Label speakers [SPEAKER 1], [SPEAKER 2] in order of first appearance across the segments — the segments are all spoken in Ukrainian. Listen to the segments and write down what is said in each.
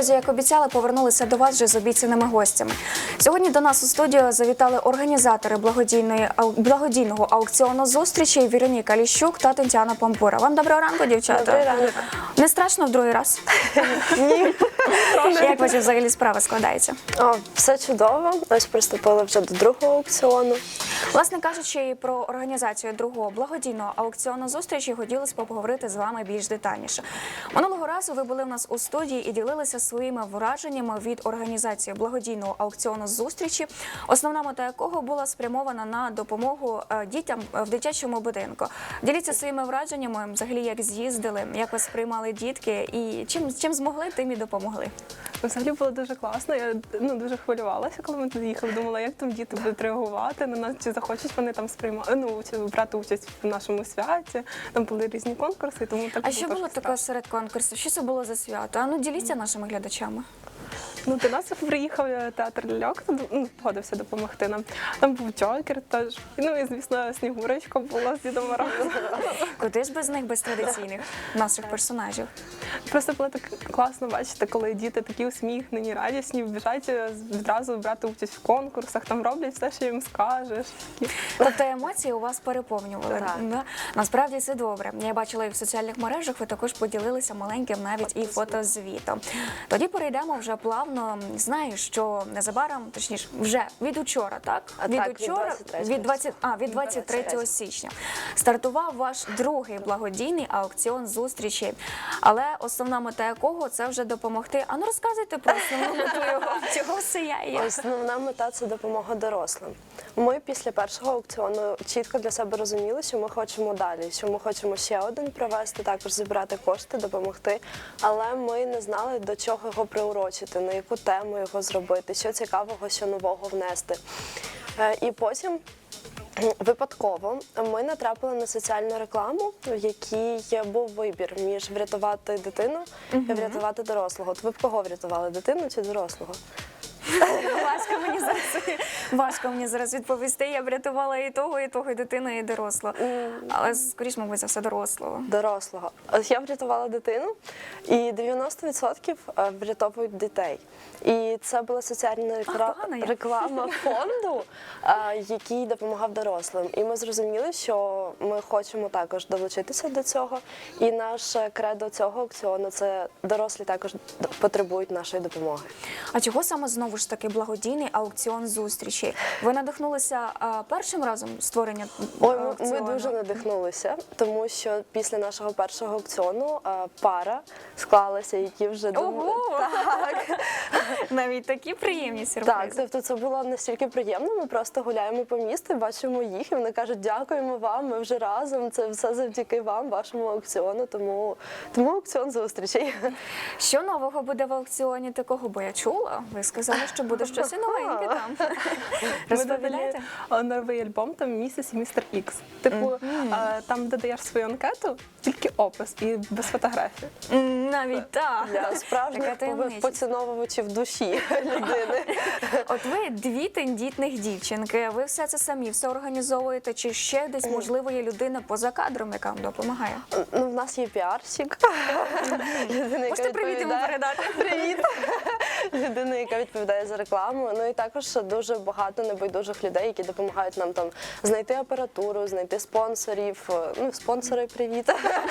[SPEAKER 1] Друзі, як обіцяли, повернулися до вас вже з обіцяними гостями. Сьогодні до нас у студію завітали організатори благодійного аукціону зустрічей Вероніка Ліщук та Тетяна Пампура. Вам доброго ранку, дівчата.
[SPEAKER 2] Добрий ранок.
[SPEAKER 1] Не страшно в другий раз?
[SPEAKER 2] Ні.
[SPEAKER 1] Як ваші взагалі справи складаються?
[SPEAKER 2] Все чудово. Ось приступили вже до другого аукціону.
[SPEAKER 1] Власне кажучи, про організацію другого благодійного аукціону зустрічі хотілося б поговорити з вами більш детальніше. Минулого разу ви були в нас у студії і ділилися своїми враженнями від організації благодійного аукціону зустрічі, основна мета якого була спрямована на допомогу дітям в дитячому будинку. Діліться своїми враженнями, взагалі, як з'їздили, як вас сприймали дітки і чим змогли, тим і допомогли.
[SPEAKER 3] Взагалі було дуже класно. Я дуже хвилювалася, коли ми туди їхали. Думала, як там діти будуть реагувати на нас, чи захочуть вони там брати участь в нашому святі. Там були різні конкурси, тому так.
[SPEAKER 1] А що було таке серед конкурсів? Що це було за свято? А ну діліться нашими глядачами.
[SPEAKER 3] До нас приїхав театр ляльок, погодився допомогти нам. Там був Джокер теж. І, звісно, Снігурочка була з Дідом Морозом.
[SPEAKER 1] Куди ж без них, без традиційних наших персонажів?
[SPEAKER 3] Просто було так класно бачити, коли діти такі усміхнені, радісні, біжать відразу брати участь в конкурсах, там роблять все, що їм скажеш.
[SPEAKER 1] Тобто емоції у вас переповнювали.
[SPEAKER 2] Так.
[SPEAKER 1] Насправді це добре. Я бачила і в соціальних мережах, ви також поділилися маленьким навіть і фотозвітом. Тоді перейдемо вже плавно. Знаю, що незабаром, точніше, вже від учора, так? Від 23 січня стартував ваш другий благодійний аукціон зустрічі. Але основна мета якого – це вже допомогти. А ну розказуйте про основну мету його, чого все є.
[SPEAKER 2] Основна мета – це допомога дорослим. Ми після першого аукціону чітко для себе розуміли, що ми хочемо далі, що ми хочемо ще один провести, також зібрати кошти, допомогти. Але ми не знали, до чого його приурочити, на яку тему його зробити, що цікавого, що нового внести. І потім випадково ми натрапили на соціальну рекламу, в якій був вибір між врятувати дитину і врятувати дорослого. От ви б кого врятували, дитину чи дорослого?
[SPEAKER 1] Важко мені зараз відповісти. Я врятувала і того, і дитину, і дорослого. Але, скоріш, мабуть, за все дорослого.
[SPEAKER 2] Дорослого. Ось я врятувала дитину, і 90% врятовують дітей. І це була соціальна реклама фонду, який допомагав дорослим. І ми зрозуміли, що ми хочемо також долучитися до цього. І наше кредо цього аукціону – це дорослі також потребують нашої допомоги.
[SPEAKER 1] А чого саме знову ж таки благодійний аукціон зустрічі? Ви надихнулися першим разом створення аукціону?
[SPEAKER 2] Ми дуже надихнулися, тому що після нашого першого аукціону пара склалася, які вже
[SPEAKER 1] Так. Навіть такі приємні сюрпризи.
[SPEAKER 2] Так, тобто це було настільки приємно, ми просто гуляємо по місту, бачимо їх, і вони кажуть, дякуємо вам, ми вже разом, це все завдяки вам, вашому аукціону, тому аукціон зустрічей.
[SPEAKER 1] Що нового буде в аукціоні такого, бо я чула, ви сказали, що буде щось і новеньке там. Розповідайте?
[SPEAKER 3] Ми додали новий альбом, там «Місіс і містер Ікс». Типу, там додаєш свою анкету, тільки опис і без фотографій.
[SPEAKER 1] Навіть так.
[SPEAKER 2] Для справжніх поціновувачів душі людини.
[SPEAKER 1] От ви дві тендітних дівчинки, ви все це самі, все організовуєте, чи ще десь, можливо, є людина поза кадром, яка вам допомагає?
[SPEAKER 2] В нас є піарщик.
[SPEAKER 1] Можете привіт йому передати?
[SPEAKER 2] Привіт! Людина, яка відповідає за рекламу. Ну і також дуже багато небайдужих людей, які допомагають нам там знайти апаратуру, знайти спонсорів. Спонсори, привіт!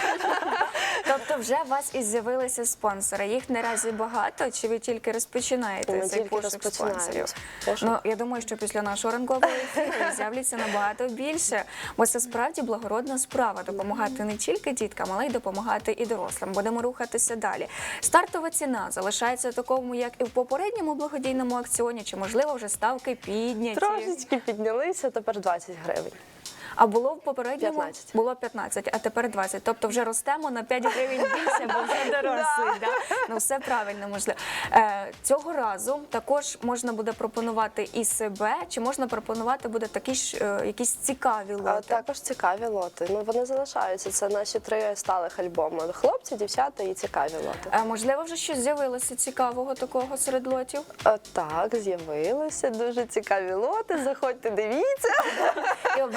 [SPEAKER 1] Тобто вже у вас і з'явилися спонсори. Їх наразі багато, чи ви тільки розпочинаєте цей пошук спонсорів? Я думаю, що після нашого ранкового ефіру з'являться набагато більше, бо це справді благородна справа – допомагати не тільки діткам, але й допомагати і дорослим. Будемо рухатися далі. Стартова ціна залишається такому, як і в попередньому благодійному аукціоні, чи, можливо, вже ставки підняті?
[SPEAKER 2] Трошечки піднялися, тепер 20 гривень.
[SPEAKER 1] А було в попередньому?
[SPEAKER 2] 15.
[SPEAKER 1] Було 15, а тепер 20. Тобто вже ростемо на 5 гривень більше, бо вже дорослий. Ну, все правильно, можливо. Цього разу також можна буде пропонувати і себе, чи можна пропонувати буде такі ж якісь цікаві лоти?
[SPEAKER 2] Також цікаві лоти. Вони залишаються. Це наші 3 сталих альбоми. Хлопці, дівчата і цікаві лоти.
[SPEAKER 1] Можливо, вже щось з'явилося цікавого такого серед лотів?
[SPEAKER 2] Так, з'явилися дуже цікаві лоти. Заходьте, дивіться.
[SPEAKER 1] І обирайте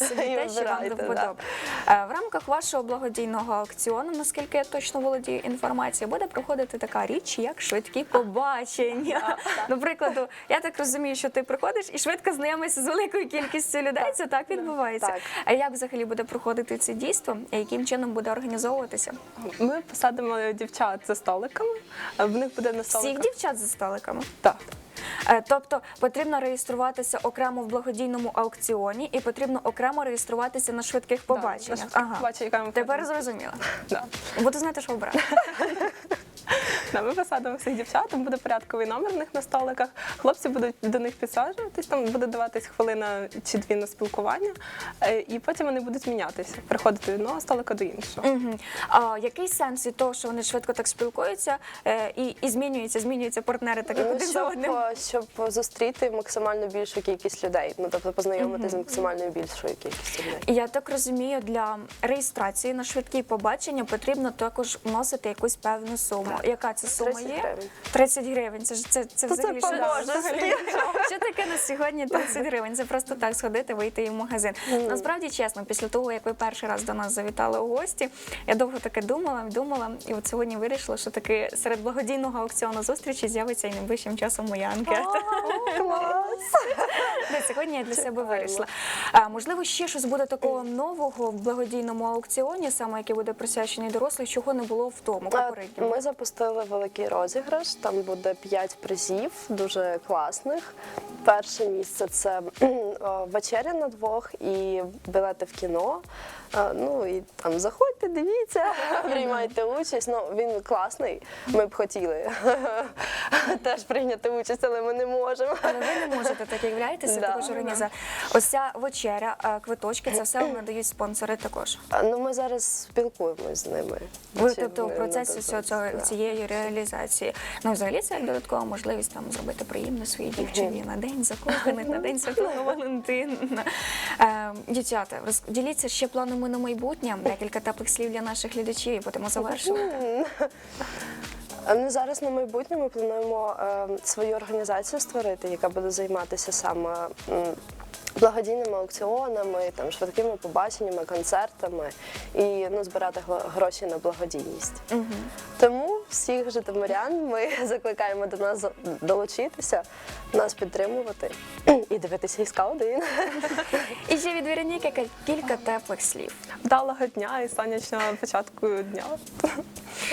[SPEAKER 1] собі
[SPEAKER 2] І
[SPEAKER 1] те, що вам до
[SPEAKER 2] вибирайте,
[SPEAKER 1] вподоби. В рамках вашого благодійного аукціону, наскільки я точно володію інформацією, буде проходити така річ, як швидкі побачення. Наприклад, я так розумію, що ти приходиш і швидко знайомишся з великою кількістю людей. Це так відбувається.
[SPEAKER 2] Так.
[SPEAKER 1] А як взагалі буде проходити це дійство? І яким чином буде організовуватися?
[SPEAKER 3] Ми посадимо дівчат за столиками, в них буде на
[SPEAKER 1] Всіх
[SPEAKER 3] столиках.
[SPEAKER 1] дівчат за столиками?
[SPEAKER 3] Так.
[SPEAKER 1] Тобто потрібно реєструватися окремо в благодійному аукціоні і потрібно окремо реєструватися на швидких побаченнях.
[SPEAKER 3] Побачення,
[SPEAKER 1] Тепер зрозуміла.
[SPEAKER 3] Да.
[SPEAKER 1] Буду знати, що обрати.
[SPEAKER 3] Да, ми посадимо всіх дівчат, там буде порядковий номер в них на столиках. Хлопці будуть до них підсаджуватись, там буде даватись хвилина чи дві на спілкування, і потім вони будуть мінятися, приходити від одного столика до іншого.
[SPEAKER 1] Мгм. А який сенс від того, що вони швидко так спілкуються і змінюються партнери так як один за одним?
[SPEAKER 2] Щоб зустріти максимально більшу кількість людей, ну тобто познайомитися з максимально більшою кількістю людей.
[SPEAKER 1] Я так розумію, для реєстрації на швидкі побачення потрібно також вносити якусь певну суму. Яка це сума
[SPEAKER 2] 30
[SPEAKER 1] є?
[SPEAKER 2] гривень.
[SPEAKER 1] 30 гривень. Це взагалі що?
[SPEAKER 2] поможе.
[SPEAKER 1] Що таке на сьогодні 30 гривень? Це просто так сходити, вийти і в магазин. Насправді, чесно, після того, як ви перший раз до нас завітали у гості, я довго таке думала, і от сьогодні вирішила, що таки серед благодійного аукціону зустрічі з'явиться і найближчим часом моя анкета. Де сьогодні я для себе вирішила. Можливо, ще щось буде такого нового в благодійному аукціоні, саме який буде присвячений дорослим, чого не було в тому попередньому.
[SPEAKER 2] Ми запустили великий розіграш, там буде 5 призів, дуже класних. Перше місце – це вечеря на двох і білети в кіно. Ну і там заходьте, дивіться, приймайте участь. Ну, він класний, ми б хотіли теж прийняти участь, але ми не можемо.
[SPEAKER 1] Але ви не можете, так являєтеся,
[SPEAKER 2] Да.
[SPEAKER 1] також організація. Ось ця вечеря, квиточки, це все надають спонсори також.
[SPEAKER 2] Ну, ми зараз спілкуємося з ними.
[SPEAKER 1] Ви,
[SPEAKER 2] Чи
[SPEAKER 1] тобто, в
[SPEAKER 2] вони
[SPEAKER 1] процесі
[SPEAKER 2] нададуть,
[SPEAKER 1] всього
[SPEAKER 2] да.
[SPEAKER 1] цієї реалізації. Ну, взагалі, це як додаткова можливість там зробити приємно своїй дівчині на день закоханих, на день Святого Валентина. Дівчата, діліться ще планами на майбутнє, декілька теплих слів для наших глядачів і будемо завершувати.
[SPEAKER 2] Ну, зараз на майбутнє ми плануємо свою організацію створити, яка буде займатися саме благодійними аукціонами, там, швидкими побаченнями, концертами і збирати гроші на благодійність. Тому всіх житомирян ми закликаємо до нас долучитися, нас підтримувати і дивитися СК1.
[SPEAKER 1] І ще від Вероніки кілька теплих слів.
[SPEAKER 3] Вдалого дня і сонячного початку дня.